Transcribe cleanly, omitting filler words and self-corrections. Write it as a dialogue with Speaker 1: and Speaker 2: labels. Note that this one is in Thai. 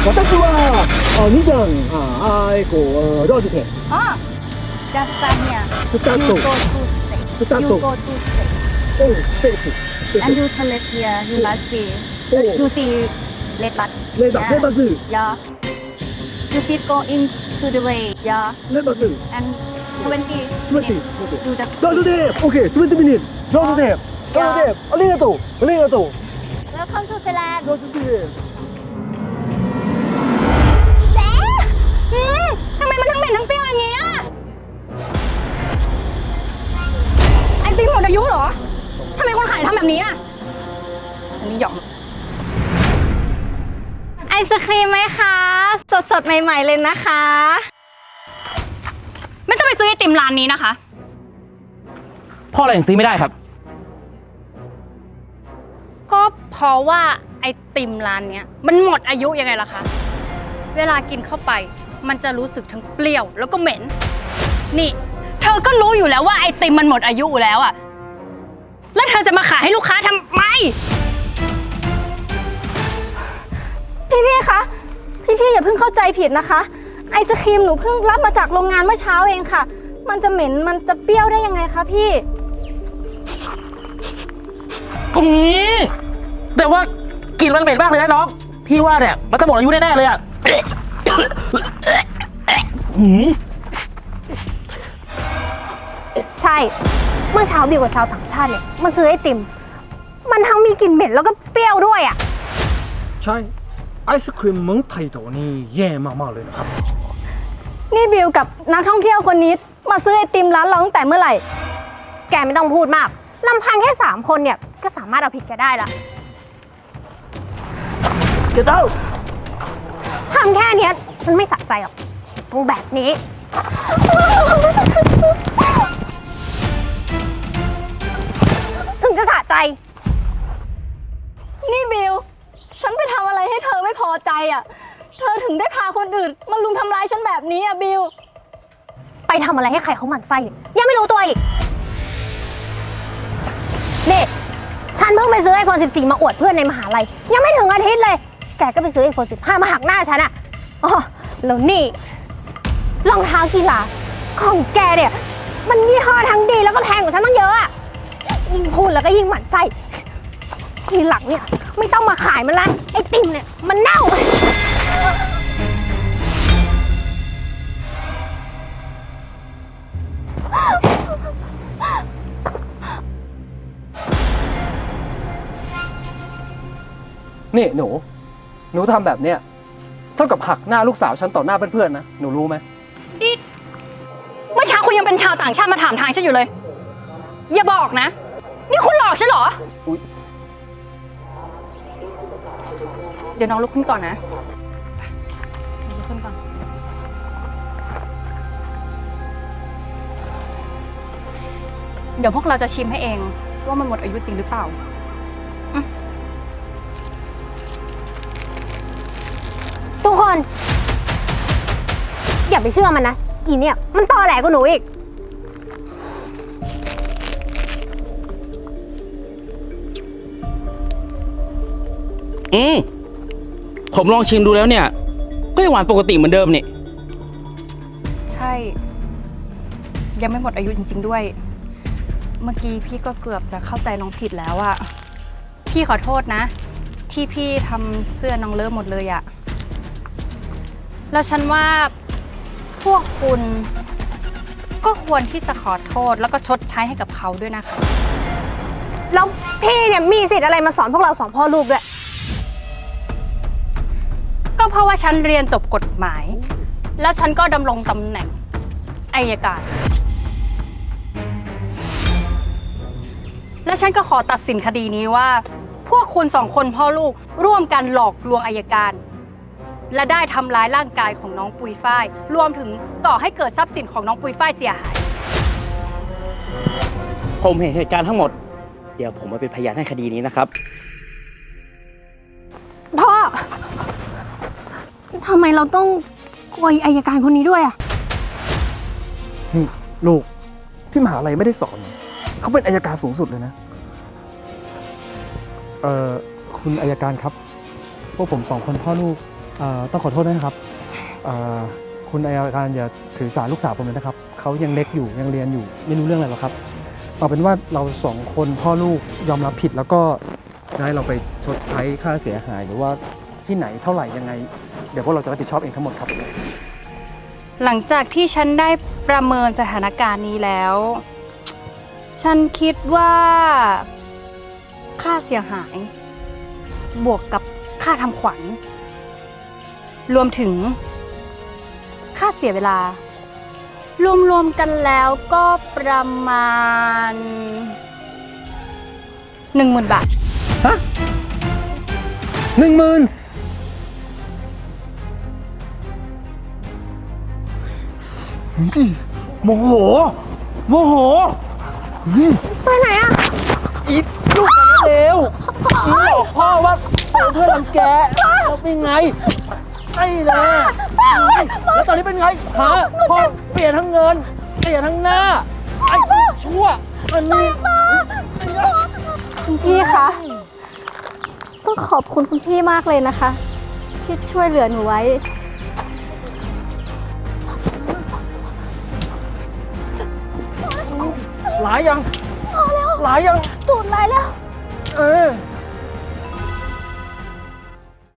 Speaker 1: 私は2段ローズ店
Speaker 2: Oh, just stand here.
Speaker 1: スター
Speaker 2: You
Speaker 1: ト
Speaker 2: go to stage.
Speaker 1: スター
Speaker 2: You
Speaker 1: ト
Speaker 2: go to stage.
Speaker 1: おスペース
Speaker 2: And you select here. You must see.
Speaker 1: Oh.
Speaker 2: You see red bus.
Speaker 1: レバレバズ
Speaker 2: Yeah. You keep going to the way. Yeah.
Speaker 1: レバズ
Speaker 2: And 20
Speaker 1: 20
Speaker 2: minutes. Do the
Speaker 1: ローズで OK 20ミニローズでローズでありがとうありがとう
Speaker 2: Welcome to Thailand.
Speaker 1: ローズで
Speaker 2: เจ๊ทำไมมันทั้งเหม็นทั้งเปรี้ยวอย่างนี้อ่ะไอติมหมดอายุเหรอทำไมคนขายทำแบบนี้อ่ะฉันไม่ยอมไอศครีมไหมคะสดๆใหม่ๆเลยนะคะไม่ต้องไปซื้อไอติมร้านนี้นะคะ
Speaker 3: พ่ออะไรถึงซื้อไม่ได้ครับ
Speaker 2: ก็เพราะว่าไอติมร้านเนี้ยมันหมดอายุยังไงล่ะคะเวลากินเข้าไปมันจะรู้สึกทั้งเปรี้ยวแล้วก็เหม็นนี่เธอก็รู้อยู่แล้วว่าไอติมมันหมดอายุอยู่แล้วอะแล้วเธอจะมาขายให้ลูกค้าทำไมพี่คะพี่อย่าเพิ่งเข้าใจผิดนะคะไอศครีมหนูเพิ่งรับมาจากโรงงานเมื่อเช้าเองค่ะ มันจะเหม็นมันจะเปรี้ยวได้ยังไงคะพี่
Speaker 3: แต่ว่ากลิ่นมันเหม็นมากเลยนะน้อง พี่ว่าเนี่ยมันจะหมดอายุแน่ๆเลยอ่ะ
Speaker 4: ใช่ เมื่อเช้าบิวกับชาวต่างชาติเนี่ยมาซื้อไอติม มันทั้งมีกลิ่นเหม็นแล้วก็เปรี้ยวด้วยอ่ะ
Speaker 1: ใช่ไอศครีมเมืองไทยตัวนี้แย่มากๆเลยนะครับ
Speaker 2: นี่บิวกับนักท่องเที่ยวคนนี้มาซื้อไอติมร้านเราตั้งแต่เมื่อไหร่
Speaker 4: แกไม่ต้องพูดมากลำพังแค่3คนเนี่ยก็สามารถเอาผิดแกได้ละ
Speaker 3: เดี๋ยวเต้า
Speaker 4: ทำแค่เนี้ยมันไม่สะใจหรอกต้องแบบนี้ ถึงจะสะใจ
Speaker 2: นี่บิวฉันไปทำอะไรให้เธอไม่พอใจอ่ะ เธอถึงได้พาคนอื่นมาลุมทำร้ายฉันแบบนี้อ่ะบิว
Speaker 4: ไปทำอะไรให้ใครเขาหมั่นไส้เนี่ยยังไม่รู้ตัวอีกนี่ฉันเพิ่งไปซื้อ iPhone 14 มาอวดเพื่อนในมหาลัยยังไม่ถึงอาทิตย์เลย แกก็ไปซื้อ iPhone 15 มาหักหน้าฉันอะอ๋อแล้วนี่รองเท้ากีฬาของแกเนี่ยมันยี่ห้อทั้งดีแล้วก็แพงกว่าฉันตั้งเยอะอะยิ่งพูดแล้วก็ยิ่งหมั่นไส้ทีหลังเนี่ยไม่ต้องมาขายมันละไอติมเนี่ยมันเน่า
Speaker 1: นี่หนูทำแบบเนี้ยเท่ากับหักหน้าลูกสาวฉันต่อหน้าเพื่อนๆนะหนูรู้ไหม
Speaker 2: เมื่อเช้าคุณยังเป็นชาวต่างชาติมาถามทางฉันอยู่เลย อย่าบอกนะ นี่คุณหลอกฉันเหรอ
Speaker 1: อุ๊ย
Speaker 2: เดี๋ยวน้องลุกขึ้นก่อนนะลุกขึ้นก่อนเดี๋ยวพวกเราจะชิมให้เองว่ามันหมดอายุจริงหรือเปล่า
Speaker 4: ทุกคน อย่าไปเชื่อมันนะอีเนี่ยมันตอแหลกว่าหนูอีก
Speaker 3: ผมลองชิมดูแล้วเนี่ย ก็ยังหวานปกติเหมือนเดิมนี่
Speaker 2: ใช่ ยังไม่หมดอายุจริงๆด้วย เมื่อกี้พี่ก็เกือบจะเข้าใจน้องผิดแล้วอะพี่ขอโทษนะ ที่พี่ทำเสื้อน้องเลิฟหมดเลยอะแล้วฉันว่าพวกคุณก็ควรที่จะขอโทษแล้วก็ชดใช้ให้กับเขาด้วยนะคะ
Speaker 4: แล้วพี่เนี่ยมีสิทธิ์อะไรมาสอนพวกเราสองพ่อลูกด้วย
Speaker 2: ก็เพราะว่าฉันเรียนจบกฎหมาย แล้วฉันก็ดำรงตำแหน่งอัยการ และฉันก็ขอตัดสินคดีนี้ว่า พวกคุณสองคนพ่อลูกร่วมกันหลอกลวงอัยการ และได้ทำร้ายร่างกายของน้องปุยฝ้ายรวมถึงก่อให้เกิดทรัพย์สินของน้องปุยฝ้ายเสียหาย
Speaker 3: ผมเห็นเหตุการณ์ทั้งหมด เดี๋ยวผมมาเป็นพยานให้คดีนี้นะครับ
Speaker 4: พ่อ ทำไมเราต้องกลัวอัยการคนนี้ด้วยอะ
Speaker 1: นี่ลูกที่มหาลัยไม่ได้สอนเขาเป็นอัยการสูงสุดเลยนะ
Speaker 5: คุณอัยการครับ พวกผม2 คนพ่อลูก
Speaker 1: ต้องขอโทษด้วยนะครับคุณอายการอย่าถือสาลูกสาวผมเลยนะครับเขายังเล็กอยู่ยังเรียนอยู่ไม่รู้เรื่องอะไรหรอกครับเอาเป็นว่าเราสองคนพ่อลูกยอมรับผิดแล้วก็จะให้เราไปชดใช้ค่าเสียหายหรือว่าที่ไหนเท่าไหร่ยังไง เดี๋ยวพวกเราจะรับผิดชอบเองทั้งหมดครับ
Speaker 2: หลังจากที่ฉันได้ประเมินสถานการณ์นี้แล้ว ฉันคิดว่าค่าเสียหาย บวกกับค่าทำขวัญ รวมถึงค่าเสียเวลา รวมๆกันแล้วก็ประมาณ 10,000 บาท
Speaker 1: ฮะ10,000โมโหโมโห
Speaker 4: ไปไหนอะ
Speaker 1: อีกลูกมันเร็วอีบอกพ่อว่าเอาเพื่อนรังแกแล้วเป็นไงไอ้นะแล้วตอนนี้เป็นไงฮะพ่อเสียทั้งเงินเสียทั้งหน้าไอ้ชั่วอันนี้
Speaker 5: คุณพี่คะ ต้องขอบคุณคุณพี่มากเลยนะคะ ที่ช่วยเหลือหนูไว้
Speaker 1: หลายยังหลายยัง
Speaker 5: ตูดไรแล้ว
Speaker 1: เออ